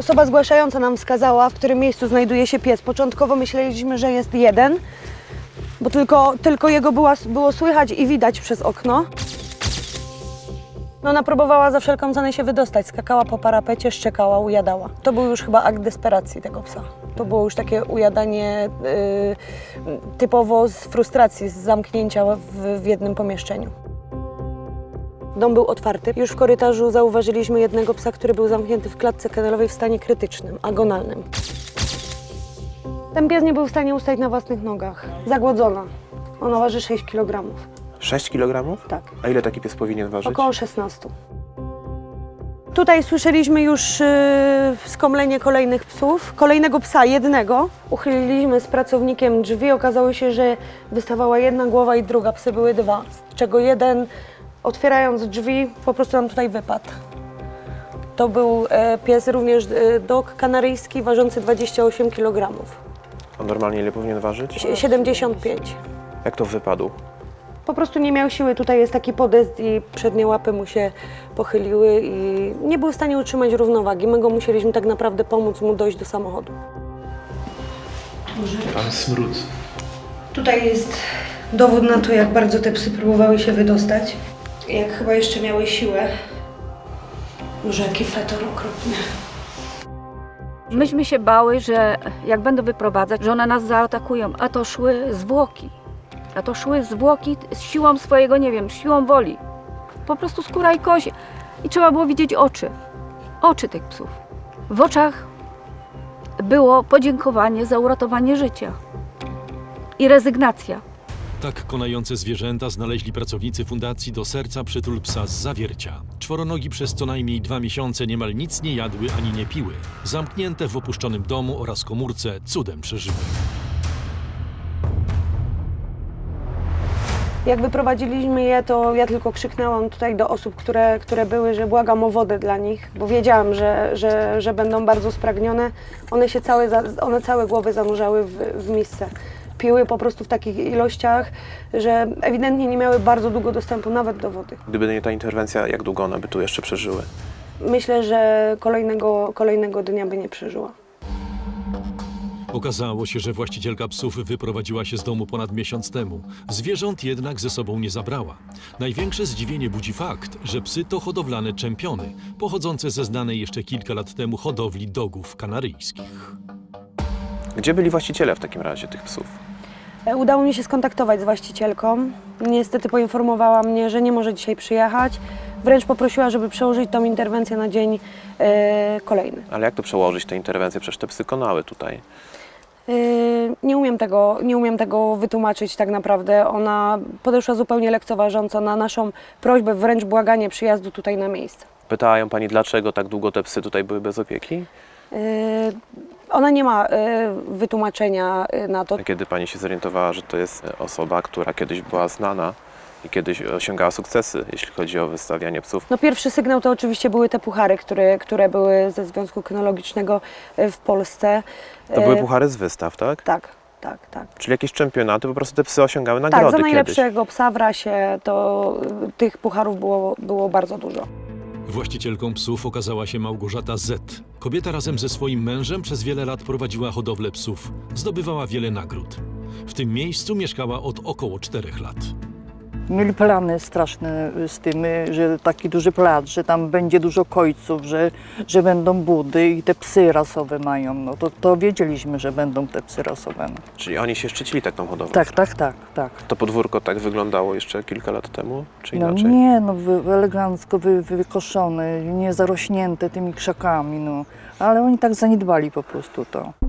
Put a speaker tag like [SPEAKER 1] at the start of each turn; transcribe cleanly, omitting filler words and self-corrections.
[SPEAKER 1] Osoba zgłaszająca nam wskazała, w którym miejscu znajduje się pies. Początkowo myśleliśmy, że jest jeden, bo tylko jego było słychać i widać przez okno. No, ona próbowała za wszelką cenę się wydostać, skakała po parapecie, szczekała, ujadała. To był już chyba akt desperacji tego psa. To było już takie ujadanie typowo z frustracji, z zamknięcia w jednym pomieszczeniu. Dom był otwarty. Już w korytarzu zauważyliśmy jednego psa, który był zamknięty w klatce kennelowej w stanie krytycznym, agonalnym. Ten pies nie był w stanie ustać na własnych nogach. Zagłodzona. Ona waży 6 kg.
[SPEAKER 2] 6 kg?
[SPEAKER 1] Tak.
[SPEAKER 2] A ile taki pies powinien ważyć?
[SPEAKER 1] Około 16. Tutaj słyszeliśmy już skomlenie kolejnych psów. Kolejnego psa, jednego. Uchyliliśmy z pracownikiem drzwi. Okazało się, że wystawała jedna głowa i druga. Psy były dwa, z czego jeden, otwierając drzwi, po prostu nam tutaj wypadł. To był pies również dog kanaryjski, ważący 28 kg.
[SPEAKER 2] A normalnie ile powinien ważyć?
[SPEAKER 1] 75.
[SPEAKER 2] Jak to wypadł?
[SPEAKER 1] Po prostu nie miał siły, tutaj jest taki podest i przednie łapy mu się pochyliły i nie był w stanie utrzymać równowagi. My go musieliśmy tak naprawdę pomóc mu dojść do samochodu.
[SPEAKER 2] Pan smród.
[SPEAKER 1] Tutaj jest dowód na to, jak bardzo te psy próbowały się wydostać. Jak chyba jeszcze miały siłę. Może jaki fetor okropny.
[SPEAKER 3] Myśmy się bały, że jak będą wyprowadzać, że one nas zaatakują, a to szły zwłoki. A to szły zwłoki z siłą swojego, nie wiem, siłą woli. Po prostu skóra i kość. I trzeba było widzieć oczy. Oczy tych psów. W oczach było podziękowanie za uratowanie życia. I rezygnacja.
[SPEAKER 4] Tak konające zwierzęta znaleźli pracownicy Fundacji Do Serca Przytul Psa z Zawiercia. Czworonogi przez co najmniej 2 miesiące niemal nic nie jadły ani nie piły. Zamknięte w opuszczonym domu oraz komórce cudem przeżyły.
[SPEAKER 1] Jak wyprowadziliśmy je, to ja tylko krzyknęłam tutaj do osób, które były, że błagam o wodę dla nich, bo wiedziałam, że będą bardzo spragnione. One całe głowy zanurzały w misce. Piły po prostu w takich ilościach, że ewidentnie nie miały bardzo długo dostępu nawet do wody.
[SPEAKER 2] Gdyby nie ta interwencja, jak długo one by tu jeszcze przeżyły?
[SPEAKER 1] Myślę, że kolejnego dnia by nie przeżyła.
[SPEAKER 4] Okazało się, że właścicielka psów wyprowadziła się z domu ponad miesiąc temu. Zwierząt jednak ze sobą nie zabrała. Największe zdziwienie budzi fakt, że psy to hodowlane czempiony, pochodzące ze znanej jeszcze kilka lat temu hodowli dogów kanaryjskich.
[SPEAKER 2] Gdzie byli właściciele w takim razie tych psów?
[SPEAKER 1] Udało mi się skontaktować z właścicielką. Niestety poinformowała mnie, że nie może dzisiaj przyjechać. Wręcz poprosiła, żeby przełożyć tą interwencję na dzień kolejny.
[SPEAKER 2] Ale jak to przełożyć, te interwencje? Przecież te psy konały tutaj.
[SPEAKER 1] Nie umiem tego wytłumaczyć tak naprawdę. Ona podeszła zupełnie lekceważąco na naszą prośbę, wręcz błaganie przyjazdu tutaj na miejsce.
[SPEAKER 2] Pytała ją pani, dlaczego tak długo te psy tutaj były bez opieki?
[SPEAKER 1] Ona nie ma wytłumaczenia na to.
[SPEAKER 2] A kiedy pani się zorientowała, że to jest osoba, która kiedyś była znana i kiedyś osiągała sukcesy, jeśli chodzi o wystawianie psów?
[SPEAKER 1] No, pierwszy sygnał to oczywiście były te puchary, które były ze Związku Kynologicznego w Polsce.
[SPEAKER 2] To były puchary z wystaw, tak?
[SPEAKER 1] Tak.
[SPEAKER 2] Czyli jakieś czempionaty, po prostu te psy osiągały nagrody
[SPEAKER 1] Tak, za
[SPEAKER 2] kiedyś.
[SPEAKER 1] najlepszego psa w rasie to tych pucharów było bardzo dużo.
[SPEAKER 4] Właścicielką psów okazała się Małgorzata Z. Kobieta razem ze swoim mężem przez wiele lat prowadziła hodowlę psów. Zdobywała wiele nagród. W tym miejscu mieszkała od około 4 lat.
[SPEAKER 5] Mieli plany straszne z tym, że taki duży plac, że tam będzie dużo kojców, że będą budy i te psy rasowe mają. No to wiedzieliśmy, że będą te psy rasowe. No.
[SPEAKER 2] Czyli oni się szczycili taką hodowlą?
[SPEAKER 5] Tak.
[SPEAKER 2] To podwórko tak wyglądało jeszcze kilka lat temu, czy
[SPEAKER 5] No
[SPEAKER 2] inaczej?
[SPEAKER 5] nie, no elegancko wykoszone, nie zarośnięte tymi krzakami, no. Ale oni tak zaniedbali po prostu to.